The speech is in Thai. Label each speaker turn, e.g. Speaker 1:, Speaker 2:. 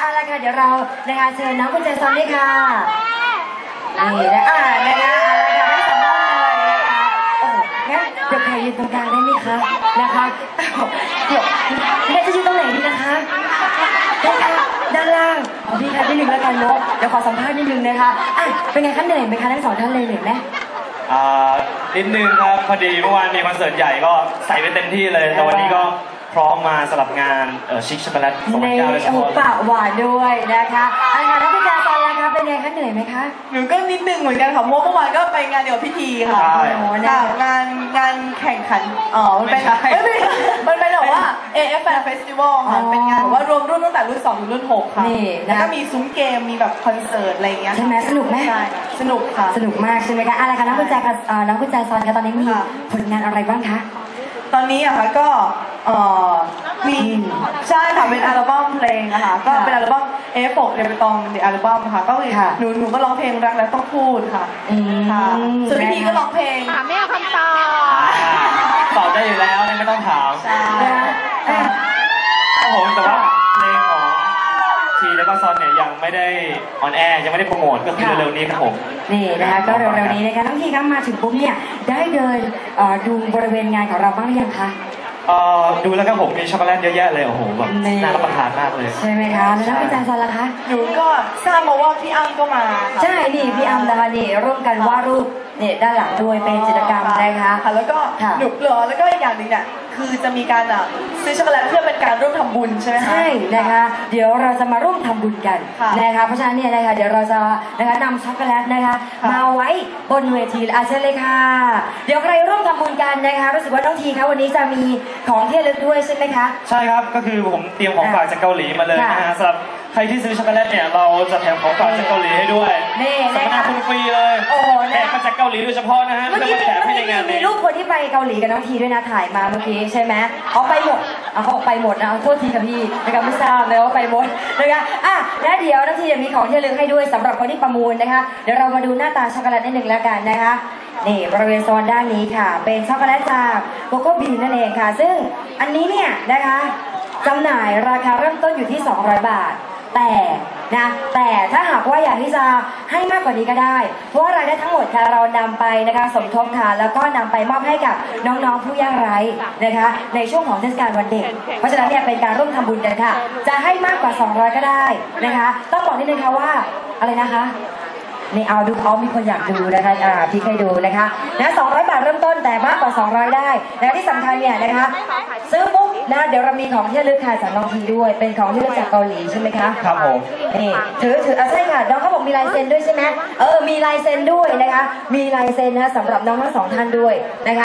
Speaker 1: เอาละค่ะเดี๋ยวเรานะคะเชิญน้องกุญแจซอนด้วยค่ะนี่นะนะคะเอาละค่ะทั้งสองท่านเลยนะคะโอ้งั้นเดี๋ยวใครยืนตรงกลางได้ไหมคะนะคะเดี๋ยวแม่จะยืนตรงไหนดีนะคะด้านล่างพี่คะนิดนึงแล้วกันเนาะเดี๋ยวขอสัมภาษณ์นิดนึงนะคะเป็นไงคะเหนื่อยไหมคะทั้งสองท่านเลยเหนื่อยไหม
Speaker 2: นิดนึงครับพอดีเมื่อวานมีคอนเสิร์ตใหญ่ก็ใส่ไปเต็มที่เลยแต่วันนี้ก็พร้อมมาสำหรับงานชิคช็อกโกแลต2019โดยเฉพาะ
Speaker 1: ปากหวานด้วยนะคะอะไรคะน้องกุญแจซอนล่ะคะเป็นไงคะเหนื่อยไหมคะ
Speaker 3: หนูก็นิดนึงเหมือนกันค่ะเพราะเมื่อวานก็ไปงานเดี่ยวพิธีค่ะงานแข่งขันมันเป็นแบบว่า AF Fan Festival ค่ะเป็นงานแบบว่ารวมรุ่นตั้งแต่รุ่น2ถึงรุ่น6ค่ะแล้วก็มีซุ้มเกมมีแบบคอนเสิร์ตอะไรอย่างเงี้ย
Speaker 1: ใช่ไหมสนุกไหม
Speaker 3: ใช่สนุกค่ะ
Speaker 1: สนุกมากใช่ไหมคะอะไรคะน้องกุญแจซอนคะตอนนี้มีผลงานอะไรบ้างคะ
Speaker 3: ตอนนี้อะค่ะก็มีใช่ค่ะเป็นอัลบั้มเพลงนะคะก็เป็นอัลบั้มF6 เรเบตองในอัลบั้มค่ะก็หนูก็ร้องเพลงรักแล้วต้องพูดค่ะส่วนพี่ก็ร้องเพลง
Speaker 4: ไม่เอาคำตอบ
Speaker 2: ตอบได้อยู่แล้วไม่ต้องถาม
Speaker 3: ใช่
Speaker 2: ครับผมแต่ว่าเพลงของทีแล้วก็ซอนเนี่ยยังไม่ได้ออนแอร์ยังไม่ได้โปรโมทก็คือเร็วๆนี้ครับผม
Speaker 1: นี่นะคะก็เร็วๆนี้นะคะน้องทีครับมาถึงปุ๊บเนี่ยได้เดินดูบริเวณงานของเราบ้างหรือยังคะ
Speaker 2: ดูแล้วก็ผมมีช็อกโกแลตเยอะแยะเลยโอ้โหแบบน่ารับประทานมากเลย
Speaker 1: ใช่ไหมคะแล้วพี่จันทร์ซอนล่ะคะ
Speaker 3: หนูก็ทราบมาว่าพี่อ้ำก็มา
Speaker 1: ใช่นี่พี่อ้ำนะคะนี่ร่วมกันวาดรูปเนี่ยด้านหลังด้วยเป็นจิตรกรรมนะคะ
Speaker 3: แล้วก็หนุกเหรอแล้วก็อีกอย่างหนึ่งเนี่ยคือจะมีการซื้อช็อกโกแลตเพื่อเป็นการร่วมทำบุญใช่ไหมคะ
Speaker 1: ใช่นะคะเดี๋ยวเราจะมาร่วมทำบุญกันนะคะเพราะฉะนั้นเนี่ยนะคะเดี๋ยวเราจะนะคะนำช็อกโกแลตนะคะมาไว้บนเวทีเชิญเลยค่ะเดี๋ยวใครร่วมทำบุญกันนะคะรู้สึกว่าน้องทีคะวันนี้จะมีของที่ระลึกด้วยใช่ไหมคะ
Speaker 2: ใช่ครับก็คือผมเตรียมของฝากจากเกาหลีมาเลยนะฮะสำหรับใครที่ซื้อช็อกโกแลตเนี่ยเราจะแถมของฝากจากเกาหลีให้ด้วยสัมมนาคุณฟรีเลย
Speaker 1: โอ้โห
Speaker 2: แถมมาจากเกาหลีโดยเฉพาะนะฮะ
Speaker 1: เมื่อกี้มีรูปคนที่ไปเกาหลีกับน้องทีด้วยนะถ่ายมาเมื่อกี้ใช่ไหมเขาไปหมดเขาไปหมดนะโทษทีกับพี่นะคะไม่ทราบเลยว่าไปหมดนะคะและเดี๋ยวน้องทีจะมีของที่ระลึกให้ด้วยสำหรับคนที่ประมูลนะคะเดี๋ยวเรามาดูหน้าตาช็อกโกแลตนิดนึงแล้วกันนะคะนี่บริเวณโซนด้านนี้ค่ะเป็นช็อกโกแลตจากโกโก้บีนั่นเองค่ะซึ่งอันนี้เนี่ยนะคะจำหน่ายราคาเริ่มต้นอยู่ที่200 บาทแต่ถ้าหากว่าอยากที่จะให้มากกว่านี้ก็ได้เพราะว่ารายได้ทั้งหมดค่ะเรานำไปนะคะสมทบค่ะแล้วก็นำไปมอบให้กับน้องๆผู้ยากไร้นะคะในช่วงของเทศกาลวันเด็กเพราะฉะนั้นเนี่ยเป็นการร่วมทำบุญกันค่ะจะให้มากกว่า200ก็ได้นะคะต้องบอกนิดนึงค่ะว่าอะไรนะคะนี่เอาดูเขามีคนอยากดูนะคะพี่เคยดูนะคะ200 บาทเริ่มต้นแต่มากกว่า200ได้และที่สำคัญเนี่ยนะคะซื้อปุ๊บนะเดี๋ยวเรามีของที่ระลึกค่ะจากน้องทีด้วยเป็นของที่ระลึกจากเกาหลีใช่ไหมคะ
Speaker 2: ครับผม
Speaker 1: นี่ถือใช่ค่ะน้องเขาบอกมีลายเซ็นด้วยใช่ไหมมีลายเซ็นด้วยนะคะมีลายเซ็นนะสำหรับน้องทั้ง2ท่านด้วยนะคะ